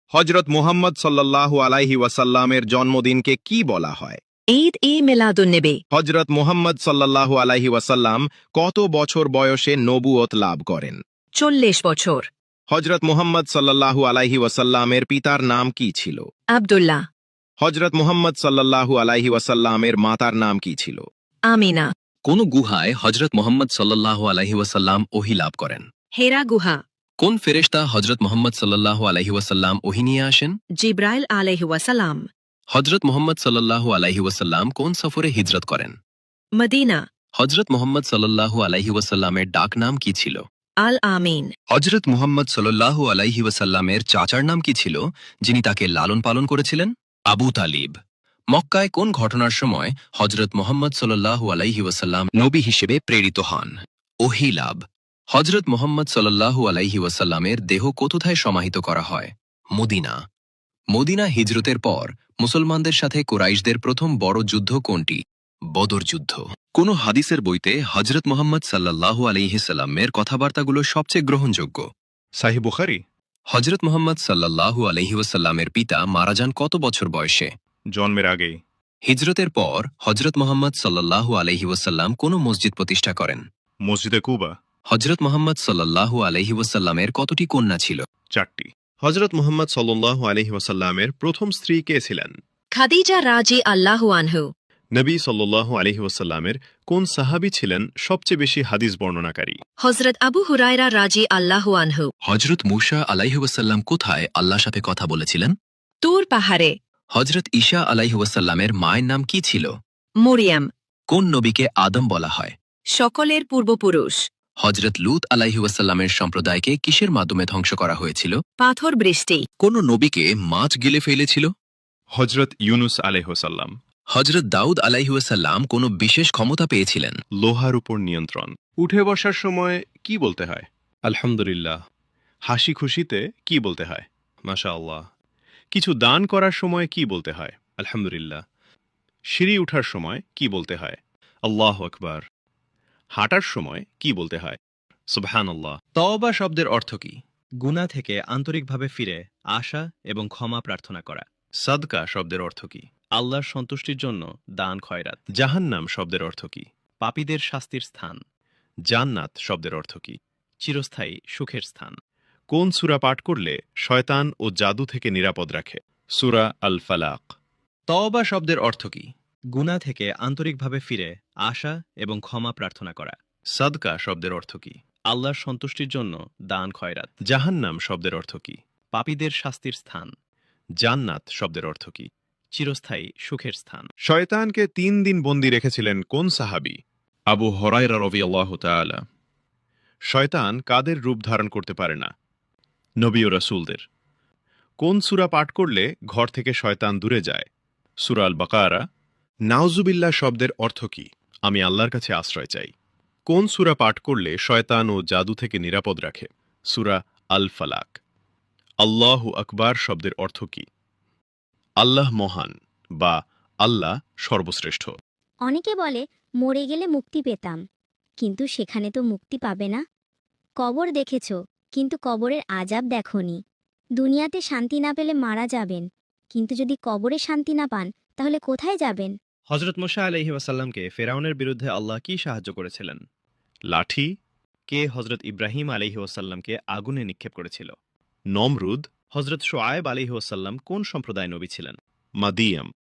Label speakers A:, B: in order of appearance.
A: হজরত মুহাম্মদ সাল্লাল্লাহু আলাইহি ওয়াসাল্লামের জন্মদিনকে কি বলা হয়?
B: ঈদ-ই-মিলাদুন্নবী।
A: হজরত মুহাম্মদ সাল্লাল্লাহু আলাইহি ওয়াসাল্লাম কত বছর বয়সে নবুয়ত লাভ করেন?
B: 40 বছর।
A: হজরত মুহাম্মদ সাল্লাল্লাহু আলাইহি ওয়াসাল্লামের পিতার নাম কি ছিল?
B: আব্দুল্লাহ।
A: হজরত মুহাম্মদ সাল্লাল্লাহু আলাইহি ওয়াসাল্লামের মাতার নাম কি ছিল?
B: আমিনা।
C: কোন গুহায় হজরত মোহাম্মদ সাল্লাল্লাহু আলাইহি ওয়াসাল্লাম ওহী লাভ করেন?
B: হেরা গুহা।
C: কোন ফেরেশতা হজরত মোহাম্মদ সাল্লাল্লাহু আলাইহি ওয়াসাল্লাম ওহী নিয়ে আসেন?
B: জিব্রাইল আলাইহি ওয়াসাল্লাম।
C: হজরত মোহাম্মদ সাল্লাল্লাহু আলাইহি ওয়াসাল্লাম কোন সফরে হিজরত করেন?
B: মদিনা।
C: হজরত মোহাম্মদ সাল্লাল্লাহু আলাইহি ওয়াসাল্লামের ডাক নাম কি ছিল?
B: আল আমিন।
C: হজরত মুহাম্মদ সাল্লাল্লাহু আলাইহি ওয়াসাল্লামের চাচার নাম কি ছিল, যিনি তাকে লালন পালন করেছিলেন? আবু তালিব। মক্কায় কোন ঘটনার সময় হজরত মুহাম্মদ সাল্লাল্লাহু আলাইহি ওয়াসাল্লাম নবী হিসেবে প্রেরিত হন? ওহী লাভ। হজরত মুহাম্মদ সাল্লাল্লাহু আলাইহি ওয়াসাল্লামের দেহ কোথায় সমাহিত করা হয়? মদিনা। মদিনা হিজরতের পর মুসলমানদের সাথে কুরাইশদের প্রথম বড় যুদ্ধ কোনটি? বদর যুদ্ধ। কোন হাদিসের বইতে হজরত মুহাম্মদ সাল্লাল্লাহু আলাইহি সাল্লামের কথাবার্তাগুলো সবচেয়ে গ্রহণযোগ্য?
A: সাহিহ বুখারী।
C: হজরত মুহাম্মদ সাল্লাল্লাহু আলাইহি ওয়াসাল্লামের পিতা মারা যান কত বছর বয়সে?
A: জন্মের আগেই।
C: হিজরতের পর হজরত মুহাম্মদ সাল্লাল্লাহু আলাইহি ওয়াসাল্লাম কোন মসজিদ প্রতিষ্ঠা করেন?
A: মসজিদে কুবা।
C: হজরত মুহাম্মদ সাল্লাল্লাহু আলাইহি ওয়াসাল্লামের কতটি কন্যা ছিল?
A: 4টি। হজরত মুহাম্মদ সাল্লাল্লাহু আলাইহি ওয়াসাল্লামের প্রথম স্ত্রী কে ছিলেন?
B: খাদিজা রাজি আল্লাহু আনহু।
A: নবী সাল্লাল্লাহু আলাইহি ওয়াসাল্লামের কোন সাহাবী ছিলেন সবচেয়ে বেশি হাদিস বর্ণনাকারী?
B: হজরত আবু হুরায়রা রাজি আল্লাহু আনহু।
C: হজরত মূসা আলাইহি ওয়াসাল্লাম কোথায় আল্লাহর সাথে কথা বলেছিলেন?
B: তুর পাহাড়ে।
C: হজরত ঈসা আলাইহি ওয়াসাল্লামের মায়ের নাম কি ছিল?
B: মরিয়াম।
C: কোন নবীকে আদম বলা হয়?
B: সকলের পূর্বপুরুষ।
C: হজরত লূত আলাইহি ওয়াসাল্লামের সম্প্রদায়কে কিসের মাধ্যমে ধ্বংস করা হয়েছিল?
B: পাথর বৃষ্টি।
C: কোন নবীকে মাছ গিলে ফেলেছিল?
A: হজরত ইউনুস আলাইহিসসালাম।
C: হজরত দাউদ আলাইহি ওয়াসাল্লাম কোন বিশেষ ক্ষমতা পেয়েছিলেন?
A: লোহার উপর নিয়ন্ত্রণ। উঠে বসার সময় কি বলতে হয়? আলহামদুলিল্লাহ। হাসি খুশিতে কি বলতে হয়? মাশাআল্লাহ। কিছু দান করার সময় কি বলতে হয়? আলহামদুলিল্লাহ। সিঁড়ি উঠার সময় কি বলতে হয়? আল্লাহু আকবার। হাঁটার সময় কি বলতে হয়? সুবহানাল্লাহ।
D: তওবা শব্দের অর্থ কি? গুনাহ থেকে আন্তরিকভাবে ফিরে আসা এবং ক্ষমা প্রার্থনা করা।
A: সাদকা শব্দের অর্থ কি?
D: আল্লাহর সন্তুষ্টির জন্য দান খয়রাত।
A: জাহান্নাম শব্দের অর্থ কি?
D: পাপীদের শাস্তির স্থান।
A: জান্নাত শব্দের অর্থ কি?
D: চিরস্থায়ী সুখের স্থান।
A: কোন সূরা পাঠ করলে শয়তান ও জাদু থেকে নিরাপদ রাখে? সূরা আল ফালাক।
D: তওবা শব্দের অর্থ কি? গুনাহ থেকে আন্তরিকভাবে ফিরে আসা এবং ক্ষমা প্রার্থনা করা।
A: সাদকা শব্দের অর্থ কি?
D: আল্লাহর সন্তুষ্টির জন্য দান খয়রাত।
A: জাহান্নাম শব্দের অর্থ কি?
D: পাপীদের শাস্তির স্থান।
A: জান্নাত শব্দের অর্থ কি?
D: চিরস্থায়ী সুখের স্থান।
A: শয়তানকে 3 দিন বন্দী রেখেছিলেন কোন সাহাবী? আবু হুরায়রা রাদিয়াল্লাহু তাআলা। শয়তান কাদের রূপ ধারণ করতে পারে না? নবী ও রাসূলদের। কোন সূরা পাঠ করলে ঘর থেকে শয়তান দূরে যায়? সূরা আল বাকারা। নাউজুবিল্লাহ শব্দের অর্থ কি? আমি আল্লাহর কাছে আশ্রয় চাই। কোন সূরা পাঠ করলে শয়তান ও জাদু থেকে নিরাপদ রাখে? সূরা আল ফালাক। আল্লাহু আকবার শব্দের অর্থ কি? আল্লাহ মহান বা আল্লাহ সর্বশ্রেষ্ঠ।
E: অনেকে বলে মরে গেলে মুক্তি পেতাম, কিন্তু সেখানে তো মুক্তি পাবে না। কবর দেখেছ, কিন্তু কবরের আযাব দেখোনি। দুনিয়াতে শান্তি না পেলে মারা যাবেন, কিন্তু যদি কবরে শান্তি না পান তাহলে কোথায় যাবেন?
D: হজরত মুসা আলাইহি ওয়াসাল্লামকে ফেরাউনের বিরুদ্ধে আল্লাহ কি সাহায্য করেছিলেন?
A: লাঠি।
D: কে হজরত ইব্রাহিম আলাইহি ওয়াসাল্লামকে আগুনে নিক্ষেপ করেছিল?
A: নমরুদ।
D: হজরত শোয়েব আলাইহি ওয়াসাল্লাম কোন সম্প্রদায় নবী ছিলেন?
A: মাদিয়াম।